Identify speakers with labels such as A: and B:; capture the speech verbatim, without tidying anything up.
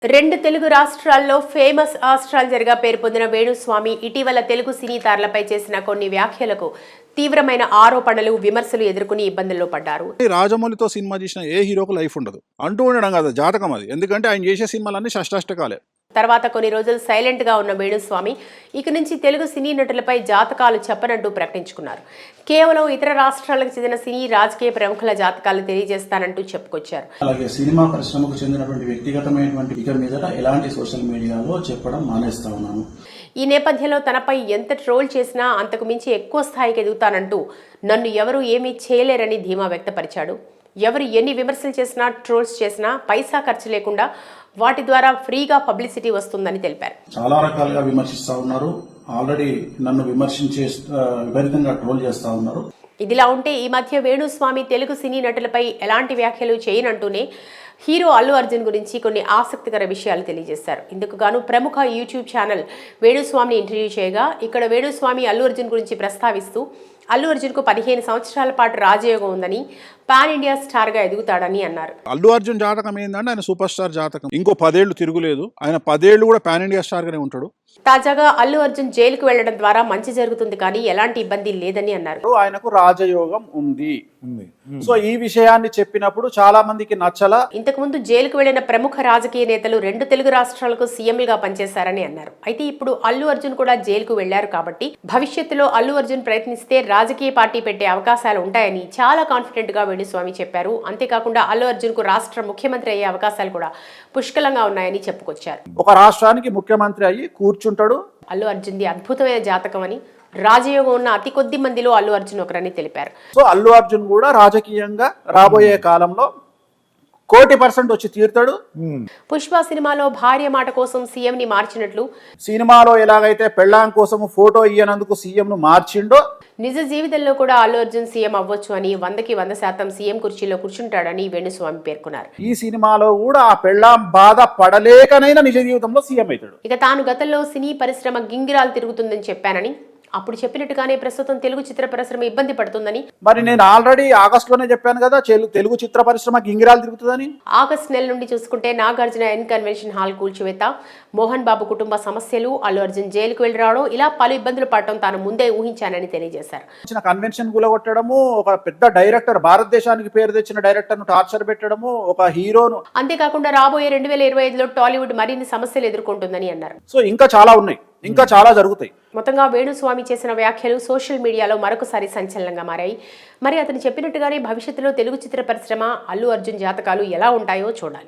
A: రెండు తెలుగు రాష్ట్రాల్లో ఫేమస్ ఆస్ట్రాలజర్గా పేరు పొందిన వేణుస్వామి ఇటీవల తెలుగు సినీ తారలపై చేసిన కొన్ని వ్యాఖ్యలకు తీవ్రమైన ఆరోపణలు విమర్శలు ఎదుర్కొని ఇబ్బందుల్లో పడ్డారు.
B: రాజమౌళితో సినిమా చేసిన ఏ హీరోకు లైఫ్ ఉండదు అంటూ ఉండడం కదా జాతకం అది. ఎందుకంటే ఆయన చేసే సినిమాలన్నీ షష్టాష్టకాలే.
A: తర్వాత కొన్ని రోజులు సైలెంట్ గా ఉన్న వేణుస్వామి ఇక నుంచి తెలుగు సినీ నటులపై జాతకాలు చెప్పనంటూ ప్రకటించుకున్నారు. కేవలం ఇతర రాష్ట్రాలకు చెందిన సినీ రాజకీయ ప్రముఖుల జాతకాలు తెలియజేస్తానంటూ చెప్పుకొచ్చారు.
C: అలాగే సినిమా పరిశ్రమకు చెందినటువంటి వ్యక్తిగతమైనటువంటి ఇక మీదట ఎలాంటి సోషల్ మీడియాలో చెప్పడం మానేస్తా ఉన్నాను.
A: ఈ నేపథ్యంలో తనపై ఎంత ట్రోల్ చేసినా అంతకు మించి ఎక్కువ స్థాయికి ఎదుగుతానంటూ నన్ను ఎవరూ ఏమీ చేయలేరని ధీమా వ్యక్తపరిచాడు. ఎవరు ఎన్ని విమర్శలు చేసినా ట్రోల్స్ చేసినా పైసా ఖర్చు లేకుండా వాటి ద్వారా ఫ్రీగా పబ్లిసిటీ వస్తుందని తెలిపారు.
C: చాలా రకాలుగా విమర్శిస్తా ఉన్నారు. ఆల్రెడీ నన్ను విమర్శించే విపరీతంగా ట్రోల్ చేస్తా ఉన్నారు.
A: ఇదిలా ఉంటే ఈ మధ్య వేణుస్వామి తెలుగు సినీ నటులపై ఎలాంటి వ్యాఖ్యలు చేయనంటూనే హీరో అల్లు అర్జున్ గురించి కొన్ని ఆసక్తికర విషయాలు తెలియజేశారు. ఇందుకు గాను ప్రముఖ యూట్యూబ్ ఛానల్ వేణుస్వామిని ఇంటర్వ్యూ చేయగా ఇక్కడ వేణుస్వామి అల్లు అర్జున్ గురించి ప్రస్తావిస్తూ అల్లు అర్జున్ కు పదిహేను సంవత్సరాల పాటు రాజయోగం ఉందని, పాన్ ఇండియా స్టార్ గా ఎదుగుతాడని అన్నారు.
B: అల్లు అర్జున్ జాతకం ఏంటంటే ఆయన సూపర్ స్టార్ జాతకం. ఇంకో పదేళ్లు తిరుగులేదు. ఆయన పదేళ్లు కూడా పాన్ ఇండియా స్టార్ గానే ఉంటాడు.
A: తాజాగా అల్లు అర్జున్ జైలుకు వెళ్లడం ద్వారా మంచి జరుగుతుంది కానీ ఎలాంటి ఇబ్బంది లేదని అన్నారు.
D: ఆయనకు రాజయోగం ఉంది. సో ఈ విషయాన్ని చెప్పినప్పుడు చాలా మందికి నచ్చల.
A: ఇంతకు ముందు జైలుకు వెళ్లిన ప్రముఖ రాజకీయ నేతలు రెండు తెలుగు రాష్ట్రాలకు సీఎంలుగా పనిచేశారని అన్నారు. అయితే ఇప్పుడు అల్లు అర్జున్ కూడా జైలుకు వెళ్లారు కాబట్టి భవిష్యత్తులో అల్లు అర్జున్ ప్రయత్నిస్తే రాజకీయ పార్టీ పెట్టే అవకాశాలు ఉంటాయని చాలా కాన్ఫిడెంట్ గా వేణుస్వామి చెప్పారు. అంతేకాకుండా అల్లు అర్జున్ కు రాష్ట్ర ముఖ్యమంత్రి అయ్యే అవకాశాలు కూడా పుష్కలంగా ఉన్నాయని చెప్పుకొచ్చారు.
D: ఒక రాష్ట్రానికి ముఖ్యమంత్రి అయ్యి కూర్చుంటాడు.
A: అల్లు అర్జున్ది అద్భుతమైన జాతకం అని, రాజయోగం ఉన్న అతి కొద్ది మందిలో అల్లు అర్జున్ ఒకరని తెలిపారు.
D: సో అల్లు అర్జున్ కూడా రాజకీయంగా రాబోయే కాలంలో కోటి పర్సెంట్ వచ్చి తీరుతాడు.
A: పుష్ప సినిమాలో భార్య మాట కోసం సీఎం ని మార్చినట్లు,
D: సినిమాలో ఎలాగైతే పెళ్ళాం కోసం ఫోటో ఇయ్యనందుకు సీఎం ను మార్చిండో
A: నిజ జీవితంలో కూడా అల్లు అర్జున్ సీఎం అవ్వచ్చు అని, వందకి వంద శాతం సీఎం కుర్చీలో కూర్చుంటాడని వేణుస్వామి పేర్కొన్నారు.
D: ఈ సినిమాలో కూడా ఆ పెళ్ళాం బాధ పడలేకనైనా నిజ జీవితంలో సీఎం అవుతాడు.
A: ఇక తాను గతంలో సినీ పరిశ్రమ గింగిరాలు తిరుగుతుందని చెప్పానని, అప్పుడు చెప్పినట్టుగానే ప్రస్తుతం తెలుగు చిత్ర పరిశ్రమ ఇబ్బంది పడుతుందని,
D: మరి నేను ఆల్రెడీ ఆగస్ట్ లోనే చెప్పాను కదా తెలుగు చిత్ర పరిశ్రమ గింగిరాలు తిరుగుతుందని.
A: ఆగస్ట్ నెల నుండి చూసుకుంటే నాగార్జున ఎన్ కన్వెన్షన్ హాల్ కూల్చివేత, మోహన్ బాబు కుటుంబ సమస్యలు, అల్లు అర్జున్ జైలుకు వెళ్లి రావడం, ఇలా పలు ఇబ్బందులు పడటం తాను ముందే ఊహించానని తెలియజేశారు.
D: కన్వెన్షన్ కూలగొట్టడము, ఒక పెద్ద డైరెక్టర్, భారతదేశానికి పేరు తెచ్చిన డైరెక్టర్ ను టార్చర్ పెట్టడము, ఒక హీరోను.
A: అంతేకాకుండా రాబోయే రెండు వేల ఇరవై ఐదులో టాలీవుడ్ మరిన్ని సమస్యలు ఎదుర్కొంటుందని అన్నారు.
D: సో ఇంకా చాలా ఉన్నాయి, ఇంకా చాలా జరుగుతాయి.
A: మొత్తంగా వేణుస్వామి చేసిన వ్యాఖ్యలు సోషల్ మీడియాలో మరొకసారి సంచలనంగా మారాయి. మరి అతను చెప్పినట్టుగానే భవిష్యత్తులో తెలుగు చిత్ర పరిశ్రమ, అల్లు అర్జున్ జాతకాలు ఎలా ఉంటాయో చూడాలి.